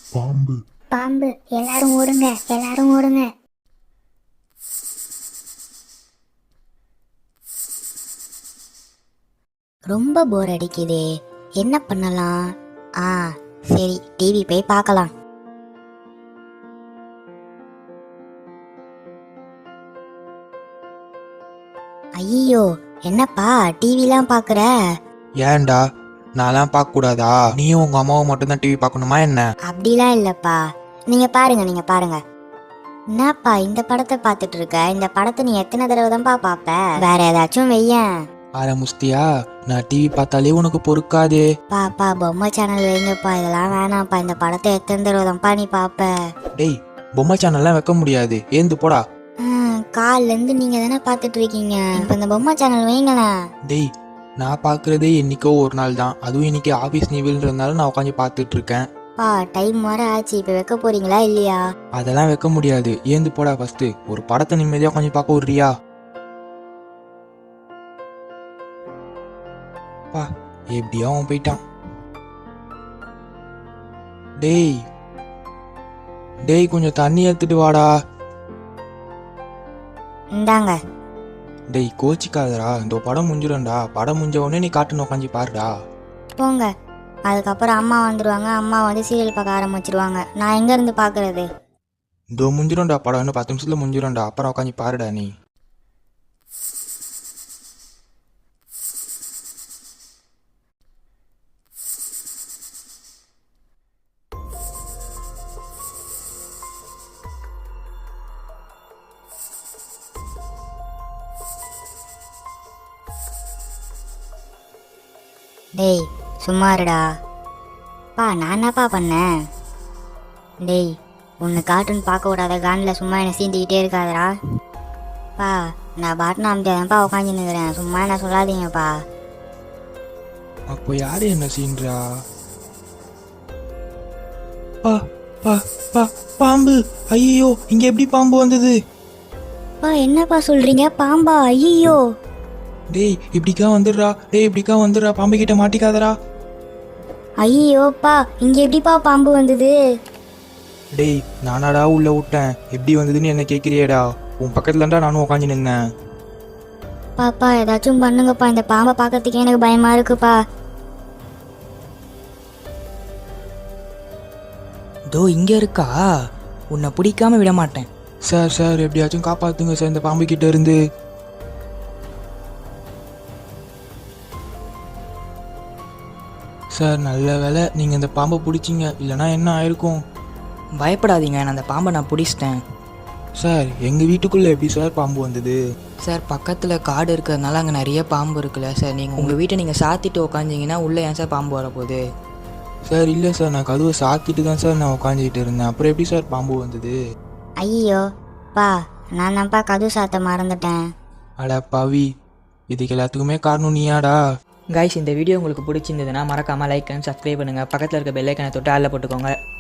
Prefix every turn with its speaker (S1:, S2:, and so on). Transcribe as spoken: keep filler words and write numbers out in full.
S1: பாம்பு
S2: பாம்பு. எல்லாரும் ஓடுங்க, எல்லாரும் ஓடுங்க. ரொம்ப போர் அடிக்குதே, என்ன பண்ணலாம்? ஆ சரி, டிவி போய் பார்க்கலாம். ஐயோ, என்னப்பா டிவிலாம் பாக்குற?
S3: ஏன்டா நான்லாம் பார்க்க கூடாதா? நீயும் உங்க அம்மாவும் மட்டும் தான் டிவி பார்க்கணுமா என்ன?
S2: அப்படிலாம் இல்லப்பா, நீங்க பாருங்க, நீங்க பாருங்க. என்னப்பா இந்த படத்தை பார்த்துட்டு இருக்க? இந்த படத்தை நீ எத்தனை தடவை தான்ப்பா பாப்ப? வேற ஏதாச்சும் வெய்யேன்.
S3: ஆர முஸ்தியா, நான் டிவி பார்த்தாலே உனக்கு பொறுக்காதே.
S2: பாப்பா பொம்மை சேனல் வைங்கப்பா, இதெல்லாம் வேணாம்ப்பா. இந்த படத்தை எத்தனை தடவை தான்ப்பா நீ பாப்ப?
S3: டேய், பொம்மை சேனல்லாம் வைக்க முடியாது, ஏந்து போடா.
S2: ம், கால்ல இருந்து நீங்க தானே பாத்துட்டு இருக்கீங்க. இப்ப இந்த பொம்மை சேனல் வைங்களேன்.
S3: டேய், நான் பார்க்கறதே என்னைக்கோ ஒரு நாள் தான், அதுவும் இன்னைக்கு ஆஃபீஸ் லீவுன்றதுனால நான் உட்காந்து பார்த்துட்டு இருக்கேன்.
S2: பா டைம் வர ஆச்சு, இப்ப வைக்க போறீங்களா இல்லையா?
S3: அதெல்லாம் வைக்க முடியாது, ஏந்து போடா. ஃபர்ஸ்ட் ஒரு படத்தை நிம்மதியா கொஞ்சம் பார்க்க விடுறியா? பா எப்படியா அவன் போயிட்டான். டேய் டேய் கொஞ்சம் தண்ணி எடுத்துட்டு வாடா.
S2: இந்தாங்க.
S3: டேய் கோச்சிக்காதடா, இந்த படம் முடிஞ்சிடும்டா. படம் முடிஞ்ச உடனே நீ காட்டுன்னு உட்காந்து பாருடா.
S2: போங்க. அதுக்கப்புறம் அம்மா வந்துருவாங்க, அம்மா வந்து சீரியல் பார்க்க ஆரம்பிச்சிருவாங்க. நான் எங்க இருந்து பாக்குறது?
S3: இதோ முடிஞ்சிடும்டா படம், இன்னும் பத்து நிமிஷத்துல முடிஞ்சிடும்டா. அப்புறம் உட்காந்து பாருடா நீ.
S2: டேய் சும்மா இருடா. பா நான் என்னப்பா பண்ணேன்? டேய் உன்னை கார்ட்டூன் பார்க்க விடாத கானில் சும்மா என்னை சீண்டிக்கிட்டே இருக்காதடா. பா நான் பாட்டுன்னு அமைதியாதான்ப்பா உட்காந்து நிற்கிறேன், சும்மா என்ன சொல்லாதீங்கப்பா.
S3: அப்போ யாரு என்ன சீன்றா? பா பா பா பாம்பு. ஐயோ, இங்க எப்படி பாம்பு வந்தது?
S2: பா என்னப்பா சொல்றீங்க? பாம்பா? ஐயோ.
S3: டேய் இப்படிக்கா வந்துடுறா. டேய் இப்படிக்கா வந்துடுறா, பாம்பு கிட்ட மாட்டிக்காதடா.
S2: ஐயோப்பா, இங்க எப்படிப்பா பாம்பு வந்தது?
S3: டேய் நானாடா உள்ள விட்டேன், எப்படி வந்ததுன்னு என்ன கேட்கிறியேடா? உன் பக்கத்துல தான்டா நானும் உட்காந்து நின்னேன்.
S2: பாப்பா ஏதாச்சும் பண்ணுங்கப்பா, இந்த பாம்பை பார்க்கறதுக்கே எனக்கு பயமா இருக்குப்பா.
S4: தோ இங்க இருக்கா, உன்னை பிடிக்காம விட மாட்டேன்.
S3: சார் சார் எப்படியாச்சும் காப்பாத்துங்க சார் இந்த பாம்பு கிட்ட இருந்து. சார் நல்ல வேலை நீங்க இந்த பாம்பை பிடிச்சிங்க, இல்லைனா என்ன ஆயிருக்கும்?
S4: பயப்படாதீங்க, நான் அந்த பாம்பை நான் பிடிச்சிட்டேன்.
S3: சார் எங்க வீட்டுக்குள்ள எப்படி சார் பாம்பு வந்தது?
S4: சார் பக்கத்தில் காடு இருக்கிறதுனால அங்கே நிறைய பாம்பு இருக்குல்ல சார், நீங்கள் உங்கள் வீட்டை நீங்கள் சாத்திட்டு உட்காந்திங்கன்னா உள்ளே ஏன் சார் பாம்பு வரப்போகுது?
S3: சார் இல்லை சார், நான் கதவை சாத்திட்டு தான் சார் நான் உட்காந்துக்கிட்டு இருந்தேன், அப்புறம் எப்படி சார் பாம்பு வந்தது?
S2: ஐயோ பா, நான் தான்ப்பா கதவு சாத்த மறந்துட்டேன்.
S3: அட பவி, இதுக்கு எல்லாத்துக்குமே காரணம் நீயாடா?
S4: கைஸ், இந்த வீடியோ உங்களுக்கு பிடிச்சிருந்ததுன்னா மறக்காமல் லைக் அண்ட் சப்ஸ்கிரைப் பண்ணுங்கள். பக்கத்தில் இருக்க பெல் ஐக்கனை தொட்டு ஆளில் போட்டுக்கோங்க.